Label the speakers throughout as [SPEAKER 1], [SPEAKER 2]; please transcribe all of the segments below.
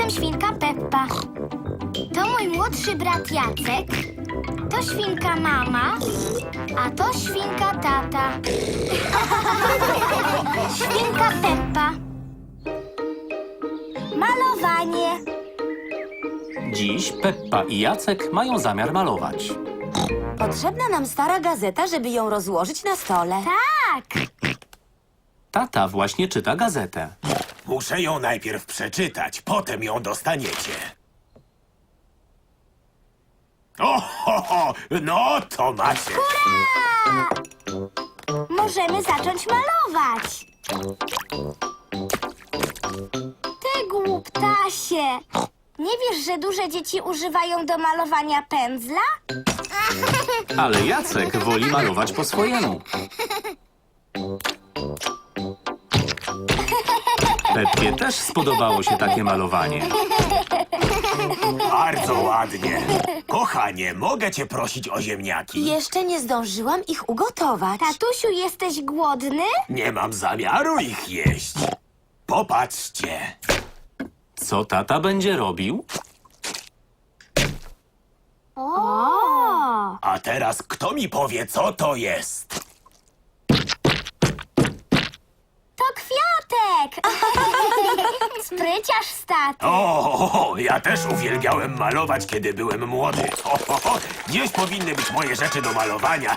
[SPEAKER 1] jestem świnka Peppa. To mój młodszy brat Jacek. To świnka mama, a to świnka tata. Świnka Peppa. Malowanie.
[SPEAKER 2] Dziś Peppa i Jacek mają zamiar malować.
[SPEAKER 3] Potrzebna nam stara gazeta, żeby ją rozłożyć na stole.
[SPEAKER 1] Tak.
[SPEAKER 2] Tata właśnie czyta gazetę.
[SPEAKER 4] Muszę ją najpierw przeczytać, potem ją dostaniecie. No to macie.
[SPEAKER 1] Możemy zacząć malować. Ty głuptasie. Nie wiesz, że duże dzieci używają do malowania pędzla?
[SPEAKER 2] Ale Jacek woli malować po swojemu. Peppie też spodobało się takie malowanie.
[SPEAKER 4] Bardzo ładnie. Kochanie, mogę cię prosić o ziemniaki?
[SPEAKER 3] Jeszcze nie zdążyłam ich ugotować.
[SPEAKER 1] Tatusiu, jesteś głodny?
[SPEAKER 4] Nie mam zamiaru ich jeść. Popatrzcie.
[SPEAKER 2] Co tata będzie robił?
[SPEAKER 1] O!
[SPEAKER 4] A teraz kto mi powie, co to jest?
[SPEAKER 1] To kwiatek! Spryciarz z taty.
[SPEAKER 4] Ja też uwielbiałem malować, kiedy byłem młody. Gdzieś powinny być moje rzeczy do malowania.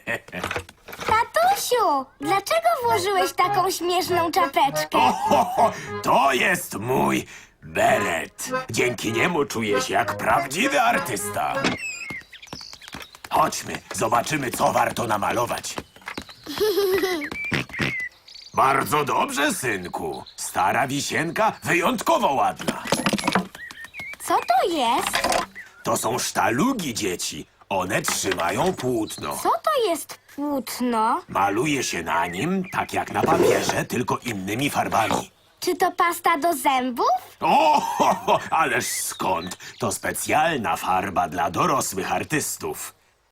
[SPEAKER 1] Tatusiu, dlaczego włożyłeś taką śmieszną czapeczkę?
[SPEAKER 4] To jest mój beret. Dzięki niemu czuję się jak prawdziwy artysta. Chodźmy, zobaczymy, co warto namalować. Bardzo dobrze, synku. Stara wisienka wyjątkowo ładna.
[SPEAKER 1] Co to jest?
[SPEAKER 4] To są sztalugi, dzieci. One trzymają płótno.
[SPEAKER 1] Co to jest płótno?
[SPEAKER 4] Maluje się na nim, tak jak na papierze, tylko innymi farbami.
[SPEAKER 1] Czy to pasta do zębów?
[SPEAKER 4] Ależ skąd? To specjalna farba dla dorosłych artystów.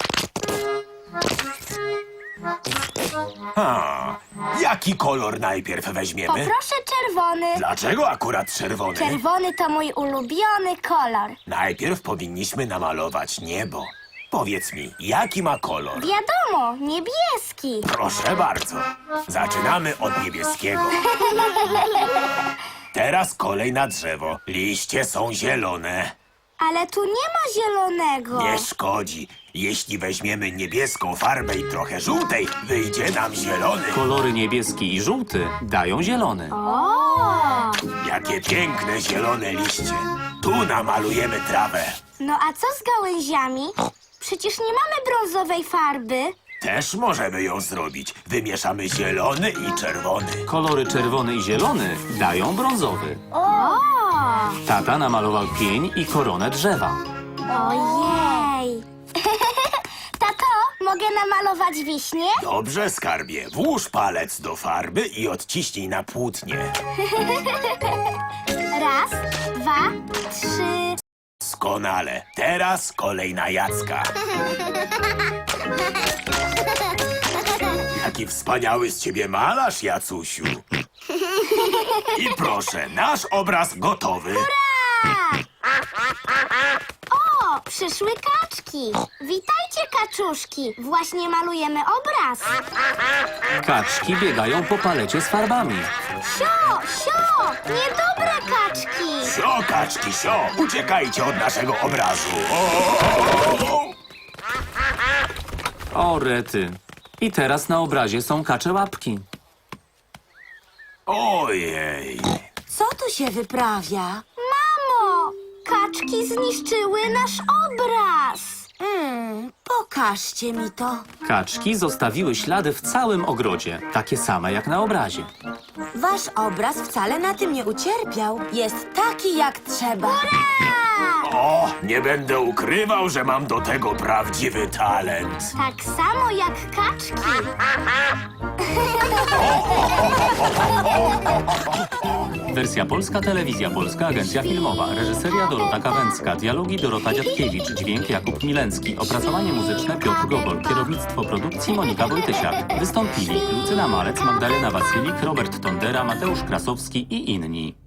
[SPEAKER 4] Jaki kolor najpierw weźmiemy?
[SPEAKER 1] Poproszę czerwony.
[SPEAKER 4] Dlaczego akurat czerwony?
[SPEAKER 1] Czerwony to mój ulubiony kolor.
[SPEAKER 4] Najpierw powinniśmy namalować niebo. Powiedz mi, jaki ma kolor?
[SPEAKER 1] Wiadomo, niebieski.
[SPEAKER 4] Proszę bardzo. Zaczynamy od niebieskiego. Teraz kolej na drzewo. Liście są zielone.
[SPEAKER 1] Ale tu nie ma zielonego.
[SPEAKER 4] Nie szkodzi. Jeśli weźmiemy niebieską farbę i trochę żółtej, wyjdzie nam zielony.
[SPEAKER 2] Kolory niebieski i żółty dają zielony.
[SPEAKER 1] O!
[SPEAKER 4] Jakie piękne zielone liście. Tu namalujemy trawę.
[SPEAKER 1] No a co z gałęziami? Przecież nie mamy brązowej farby.
[SPEAKER 4] Też możemy ją zrobić. Wymieszamy zielony i czerwony.
[SPEAKER 2] Kolory czerwony i zielony dają brązowy.
[SPEAKER 1] O!
[SPEAKER 2] Tata namalował pień i koronę drzewa.
[SPEAKER 1] Ojej! Tato, mogę namalować wiśnie?
[SPEAKER 4] Dobrze, skarbie. Włóż palec do farby i odciśnij na płótnie.
[SPEAKER 1] Raz, dwa, trzy.
[SPEAKER 4] Doskonale. Teraz kolej na Jacka. Jaki wspaniały z ciebie malarz, Jacusiu. I proszę, nasz obraz gotowy.
[SPEAKER 1] O, przyszły kaczki. Witajcie, kaczuszki. Właśnie malujemy obraz.
[SPEAKER 2] Kaczki biegają po palecie z farbami.
[SPEAKER 1] Sio, sio, niedobre kaczki.
[SPEAKER 4] Sio, kaczki, sio, uciekajcie od naszego obrazu.
[SPEAKER 2] O, rety. I teraz na obrazie są kacze łapki.
[SPEAKER 4] Ojej.
[SPEAKER 3] Co tu się wyprawia?
[SPEAKER 1] Mamo, kaczki zniszczyły nasz obraz.
[SPEAKER 3] Pokażcie mi to.
[SPEAKER 2] Kaczki zostawiły ślady w całym ogrodzie, takie same jak na obrazie.
[SPEAKER 3] Wasz obraz wcale na tym nie ucierpiał. Jest taki jak trzeba.
[SPEAKER 4] O, nie będę ukrywał, że mam do tego prawdziwy talent.
[SPEAKER 1] Tak samo jak kaczki.
[SPEAKER 2] Wersja polska, telewizja polska, agencja filmowa, reżyseria Dorota Kawęcka, dialogi Dorota Dziadkiewicz, dźwięk Jakub Milencki, opracowanie muzyczne Piotr Gogol, kierownictwo produkcji Monika Wojtysiak. Wystąpili Lucyna Malec, Magdalena Wasylik, Robert Tondera, Mateusz Krasowski i inni.